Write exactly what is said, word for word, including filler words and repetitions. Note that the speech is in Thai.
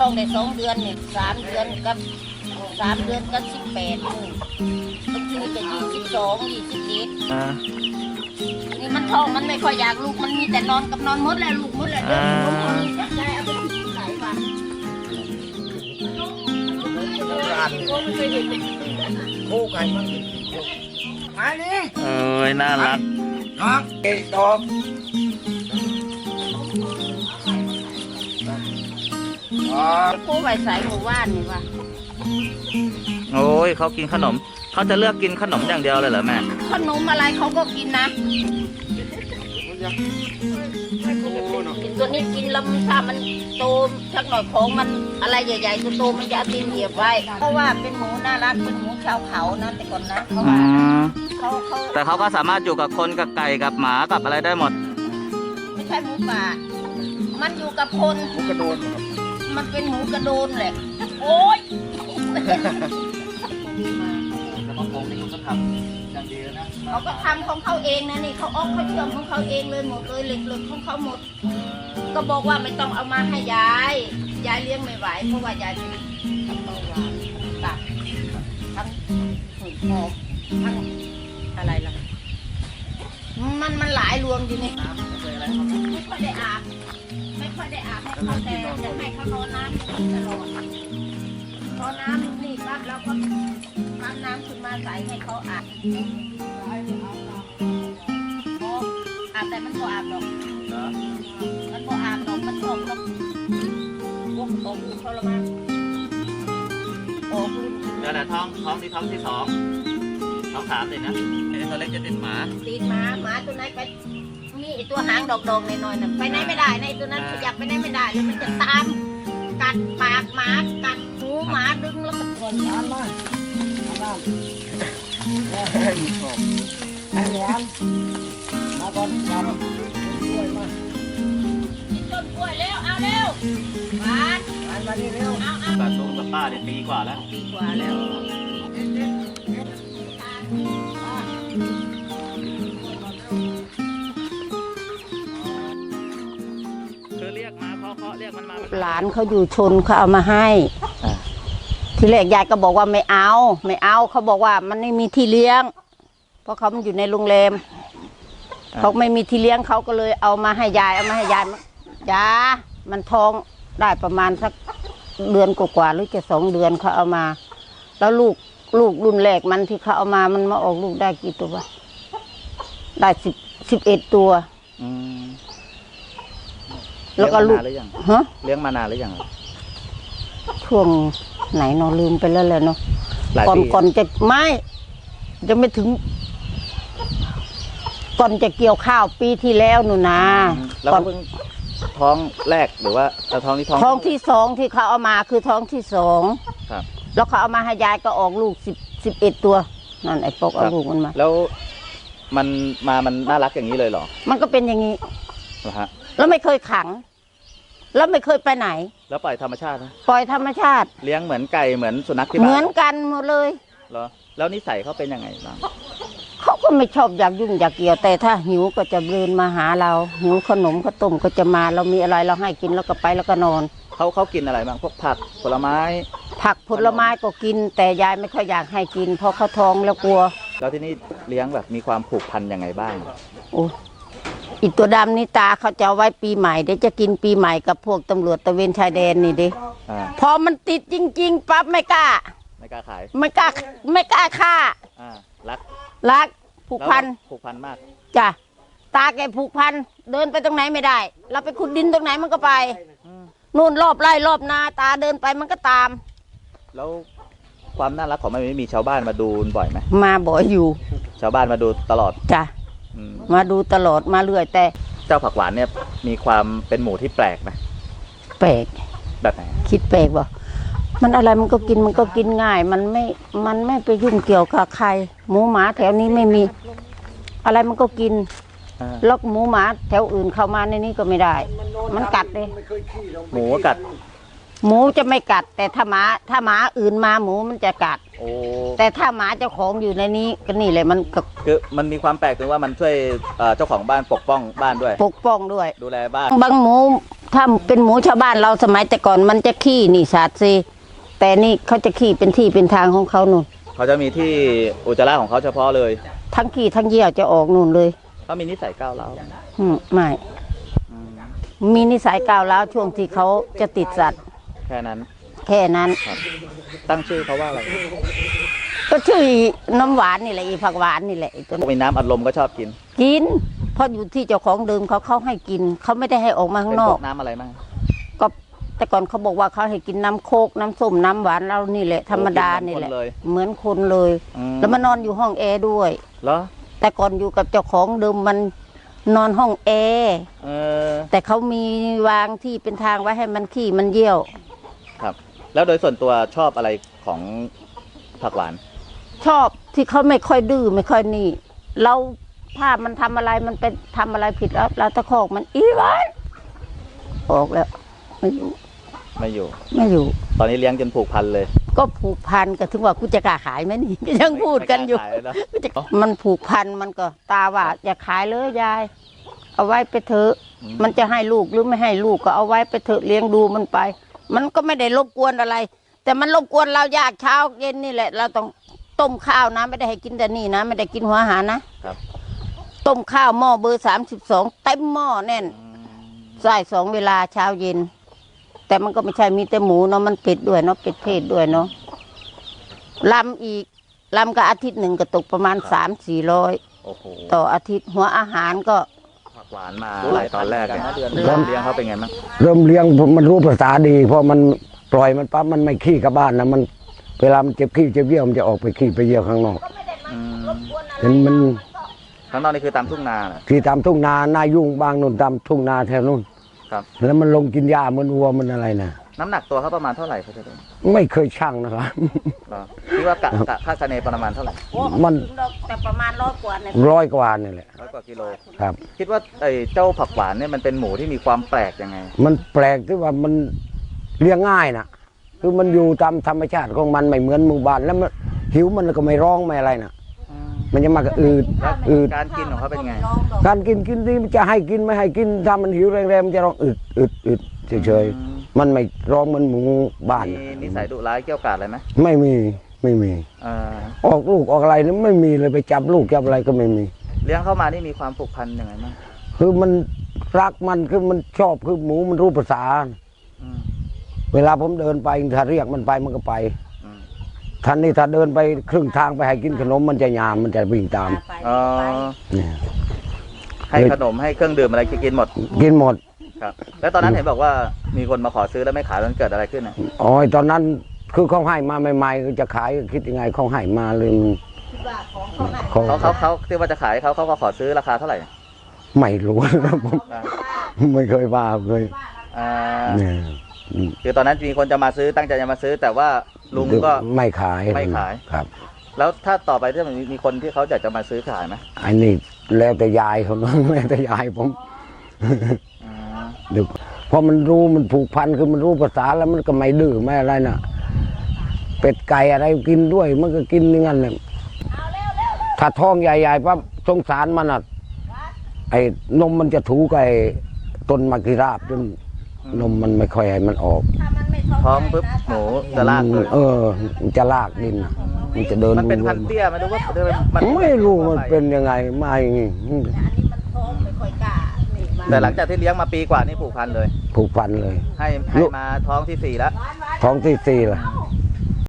ท้องได้สองเดือนเนี่ยสามเดือนกับสามเดือนกับสิบแปดบางทีจะยี่สิบสองยี่สิบเอ็ดนี่มันท้องมันไม่ค่อยอยากลูกมันมีแต่นอนกับนอนมดแหละลูกมดแหละเดินล้มคนจักใจเอาไปทิ้งไหนวะคู่กันมันมานี่เอ้ยน่ารักน้องเอ็ดดอกผู้ใบสายหมู่บ้านนี่วะโอ้ยเขากินขนมเขาจะเลือกกินขนมอย่างเดียวเลยเหรอแม่ขนมอะไรเขาก็กินนะตัวนี้กินแล้วถ้ามันโตสักหน่อยของมันอะไรใหญ่ๆโตๆมันจะเอาตีนเหยียบไว้เพราะว่าเป็นหมูน่ารักเป็นหมูชาวเขานะแต่ก่อนนะเขาว่าเขาเขาแต่เขาก็สามารถอยู่กับคนกับไก่กับหมากับอะไรได้หมดไม่ใช่หมูป่ามันอยู่กับคนกระโดดมันเป็นหมูกระโดนแหละโอ๊ยแล้วก็คงนี่เขาก็ทำอย่างดีนะเขาก็ทำของเขาเองนะนี่เขาออกเขาเชื่อมของเขาเองเลยหมดเลยเหล็กๆของเขาหมดก็บอกว่าไม่ต้องเอามาให้ยายยายเลี้ยงไม่ไหวเพราะว่ายายเป็นทั้งเบาหวานตับทั้งหืดหอบทั้งอะไรล่ะมันมันหลายรวมอยู่นี่ไม่ค่อยได้อาบไม่ค่อยได้อาบให้เขาแต่จะให้เขานอนน้ำตลอดพอน้ำนี่ปั๊บแล้วก็น้ำน้ำขึ้นมาใส่ให้เขาอาบอาบแต่มันก็อาบหรอกมันก็อาบหรอกมันออกแล้ววกออกทรมานออกเดี๋ยวนะท้องท้องที่ท้องที่สองท้องสามเลยนะไอ้ตัวเล็กจะติดหมาตีนหมาหมาตัวไหนไปมีไอตัวหางดอกๆหน่อยๆน่ะไปไหนไม่ได้นะไอตัวนั้นขยับไปไหนไม่ได้แล้วมันจะตามกัดปากหมากัดหูหมาดึงแล้วก็ก่อนน้ำมาน้ำไอ้แหลมมาก่อนมาก่อนกล้วยมากินต้นกล้วยเร็วเอาเร็วหวานหวานมานี่เร็วเอาเอากับลุงกับป้าเนี่ยปีกว่าแล้วปีกว่าแล้วคือเรียกมาเคาะเคาะเรียกมันมาหลานเขาอยู่ชนเขาเอามาให้ทีแรกยายก็บอกว่าไม่เอาไม่เอาเขาบอกว่ามันไม่มีที่เลี้ยง เพราะเขามันอยู่ในโรงแรมเขาไม่มีที่เลี้ยงเขาก็เลยเอามาให้ยายเอามาให้ยายยามันท้องได้ประมาณสักเดือนกว่าๆหรือจะสองเดือนเขาเอามา แล้วลูกลูกรุ่นแรกมันที่เขาเอามามันมาออกลูกได้กี่ตัวได้สิบสิบเอ็ดตัวแล้วก็ลูกฮะเลี้ยงมานานหรือยังช่วงไหนเนาะลืมไปแล้วแหละเนาะก่อนก่อนจะไม่จะไม่ถึง ก่อนจะเกี่ยวข้าวปีที่แล้วหนูนะแล้วเพิ่งท้องแรกหรือว่าท้องที่ท้องท้องที่สองที่เขาเอามาคือท้องที่สองครับแล้วเขาเอามาให้ยายก็ออกลูกสิบสิบเอ็ดตัวนั่นไอ้ปกเอาลูกมันมาแล้วมันมามันน่ารักอย่างนี้เลยเหรอมันก็เป็นอย่างนี้เหรอฮะแล้วไม่เคยขัง แล้วไม่เคยไปไหนแล้วปล่อยธรรมชาตินะปล่อยธรรมชาติเลี้ยงเหมือนไก่เหมือนสุนัขที่เหบ้านมือนกันหมดเลยเหรอแล้วนิสัยเขาเป็นยังไงบ้างเขาก็ไม่ชอบอยากยุ่งอยากเกี่ยวแต่ถ้าหิวก็จะเดินมาหาเราหิวขนมข้าวต้มก็จะมาเรามีอะไรเราให้กินแล้วก็ไปแล้วก็นอนเขาเขากินอะไรบ้างพวกผักผลไม้ผักผลไม้ก็กิน แต่ยายไม่ค่อยอยากให้กิน เพราะเขาท้องแล้วกลัวแล้วที่นี่เลี้ยงแบบมีความผูกพันยังไงบ้างโอ้อีตัวดำนี่ตาเขาจะเอาไว้ปีใหม่เดี๋ยวจะกินปีใหม่กับพวกตำรวจตะเวนชายแดนนี่ดิอ่าพอมันติดจริงๆปั๊บไม่กล้าไม่กล้าขายไม่กล้าไม่กล้าฆ่าอ่ารักรักผูกพันแล้วผูกพันมากจ้ะตาแกผูกพันเดินไปตรงไหนไม่ได้ เราไปขุดดินตรงไหนมันก็ไปนู่นรอบไร่รอบนาตาเดินไปมันก็ตามแล้วความน่ารักของมันไม่มีชาวบ้านมาดูบ่อยไหมมาบ่อยอยู่ชาวบ้านมาดูตลอดจ้ะอืมมาดูตลอดมาเรื่อยแต่เจ้าผักหวานเนี่ยมีความเป็นหมูที่แปลกไหมแปลกแบบไหนคิดแปลกบ่มันอะไรมันก็กินมันก็กินง่าย มันไม่มันไม่ไปยุ่งเกี่ยวกับใคร หมูหมาแถวนี้ไม่มี อะไรมันก็กินอ่าแล้วหมูหมาแถวอื่นเข้ามาในนี้ก็ไม่ได้ มันกัดเลยหมูกัดหมูจะไม่กัด แต่ถ้าหมาถ้าหมาอื่นมาหมูมันจะกัดโอ้แต่ถ้าหมาเจ้าของอยู่ในนี้ก็นี่เลยมันก็คือมันมีความแปลกตรงว่ามันช่วยเอ่อเจ้าของบ้านปกป้องบ้านด้วยปกป้องด้วยดูแลบ้านบางหมูถ้าเป็นหมูชาวบ้านเราสมัยแต่ก่อนมันจะขี้นี่สาดซีแต่นี่เขาจะขี้เป็นที่เป็นทางของเขานู่นเขาจะมีที่อุจจาระของเขาเฉพาะเลยทั้งขี้ทั้งเยี่ยวจะออกนู่นเลยเขามีนิสัยก้าวร้าวอืมไม่อืมมีนิสัยก้าวร้าวช่วงที่เขาจะติดสัตว์แค่นั้นแค่นั้นครับ ตั้งชื่อเขาว่าอะไรก็ชื่อน้ำหวานนี่แหละอีผักหวานนี่แหละไอ้ตัวพวกมีน้ำอัดลมก็ชอบกินกินเพราะอยู่ที่เจ้าของเดิมเขาเขาให้กินเขาไม่ได้ให้ออกมาข้าเป็นงนพอวกกน้ำอะไรบ้างก็แต่ก่อนเขาบอกว่าเขาให้กินน้ำโคกน้ำส้มน้ำหวานเรานี่แหละธรรมดานี่แหละ เหมือนคนเลยอืมแล้วมานอนอยู่ห้องแอร์ด้วยเหรอแต่ก่อนอยู่กับเจ้าของเดิมมันนอนห้องแอร์เออแต่เขามีวางที่เป็นทางไว้ให้มันขี้มันเยี่ยวครับ แล้วโดยส่วนตัวชอบอะไรของผักหวานชอบที่เขาไม่ค่อยดื้อไม่ค่อยนี่ เราถ้ามันทำอะไรมันเป็นทำอะไรผิดแล้วเราตะคอกมันอีหวานออกแล้วไม่อยู่ไม่อยู่ไม่อยู่ตอนนี้เลี้ยงจนผูกพันเลยก็ผูกพันก็ถึงว่ากูจะกล้าขายไหมนี่ ก็ยังพูดกันอยู่ไม่กล้าขายแล้วกูจะมันผูกพันมันก็ตาว่าอย่าขายเลยยาย เอาไว้ไปเถอะอืมมันจะให้ลูกหรือไม่ให้ลูกก็เอาไว้ไปเถอะเลี้ยงดูมันไป มันก็ไม่ได้รบกวนอะไร แต่มันรบกวนเรายากเช้าเย็นนี่แหละ เราต้องต้มข้าวนะไม่ได้ให้กินแต่นี่นะไม่ได้กินหัวอาหารนะครับ ต้มข้าวหม้อเบอร์สามสิบสองเต็มหม้อแน่นอืมใส่สองเวลาเช้าเย็น แต่มันก็ไม่ใช่มีแต่หมูเนาะมันเป็ดด้วยเนาะเป็ดเทศด้วยเนาะลำอีกลำก็อาทิตย์หนึ่งก็ตกประมาณสามสี่ร้อยโอ้โหต่ออาทิตย์หัวอาหารก็ผักหวานมาหลายตอนแรกเนี่ยเดือนเริ่มเลี้ยงเขาเป็นไงบ้างเริ่มเลี้ยงผมมันรู้ภาษาดีเพราะมันปล่อยมันปั๊บมันไม่ขี้กับบ้านนะมันเวลามันเจ็บขี้เจ็บเยี่ยวมันจะออกไปขี้ไปเยี่ยวข้างนอกอืมเห็นมันข้างนอกนี่คือตามทุ่งนาเหรอที่ตามทุ่งนาหน้ายุ่งบางนู่นตามทุ่งนาแถวนู่นครับแล้วมันลงกินหญ้าเหมันวัวมันอะไรนะน้ำหนักตัวเขาประมาณเท่าไหร่เขาจะดูไม่เคยชั่งนะครับเหรอคิดว่ากะกะคาดคะเนประมาณเท่าไหร่มันแต่ประมาณร้อยกว่าเนี่ยร้อยกว่านี่แหละร้อยกว่ากิโลครับคิดว่าไอ้เจ้าผักหวานเนี่ยมันเป็นหมูที่มีความแปลกยังไงมันแปลกที่ว่ามันเลี้ยงง่ายนะคือมันอยู่ตามธรรมชาติของมันไม่เหมือนหมู่บ้านแล้วมันหิวมันก็ไม่ร้องไม่อะไรนะมันจะมากระอืดแล้วอืดการกินของเขาเป็นไงการกินกินที่มันจะให้กินไม่ให้กินถ้ามันหิวแรงๆมันจะร้องอึดอึดอึดเฉยอืมๆมันไม่ร้องเหมันหมูบ้านมีน่ะนิสัยดุร้ายเกี่ยวกาดอะไรไหมไม่มีไม่มีเอ่อออกลูกออกอะไรนี่ไม่มีเลยไปจับลูกจับอะไรก็ไม่มีเลี้ยงเข้ามานี่มีความผูกพันยังไงบ้างคือมันรักมันคือมันชอบคือหมูมันรู้ภาษาอืมเวลาผมเดินไปถ้าเรียกมันไปมันก็ไปอืมท่านนี่ถ้าเดินไปครึ่งทางไปให้กินขนมมันจะยามมันจะวิ่งตามเออเนี่ยให้ขนมให้เครื่องดื่มอะไรกินหมดกินหมดครับ แล้วตอนนั้นเห็นบอกว่ามีคนมาขอซื้อแล้วไม่ขายมันเกิดอะไรขึ้นอ่ะอ๋อตอนนั้นคือเขาให้มาใหม่ๆก็จะขายก็คิดยังไงเขาให้มาเลยมันเขาเขาเขาเขาที่ว่าจะขายเขาเขาก็ขอซื้อราคาเท่าไหร่ไม่รู้นะผมอ่าไม่เคยว่าเคยอ่าเนี่ยอืมคือตอนนั้นมีคนจะมาซื้อตั้งใจจะมาซื้อ แต่ว่าลุงก็ไม่ขายไม่ขายครับแล้วถ้าต่อไปถ้ามีมีคนที่เขาอยากจะมาซื้อขายไหมอันนี้แล้วแต่ยายเขาเนอะ แล้วแต่ยายผมอ่าเดี๋ยวเพราะมันรู้มันผูกพันคือมันรู้ภาษาแล้วมันก็ไม่ดื้อไม่อะไรน่ะ เป็ดไก่อะไรกินด้วย มันก็กินอย่างนั้นเลยถ้าท้องใหญ่ๆปั๊บสงสารมันอ่ะไอ้นมมันจะถูกับไอ้ต้นมะกิราบจนนมมันไม่ค่อยให้มันออกท้องปุ๊บหมูจะลากเลยเออ มันจะลากดิน มันจะเดินมันเป็นวพันๆธุ์เตี้ยไหมหรือว่ามันไม่รู้มันเป็นยังไงมาอย่างงี้อันนี้มันท้องไม่ค่อยกล้านี่มาแต่หลังจากที่เลี้ยงมาปีกว่านี่ผูกพันเลยผูกพันเลยให้ให้มาท้องที่สี่แล้วท้องที่สี่ละเ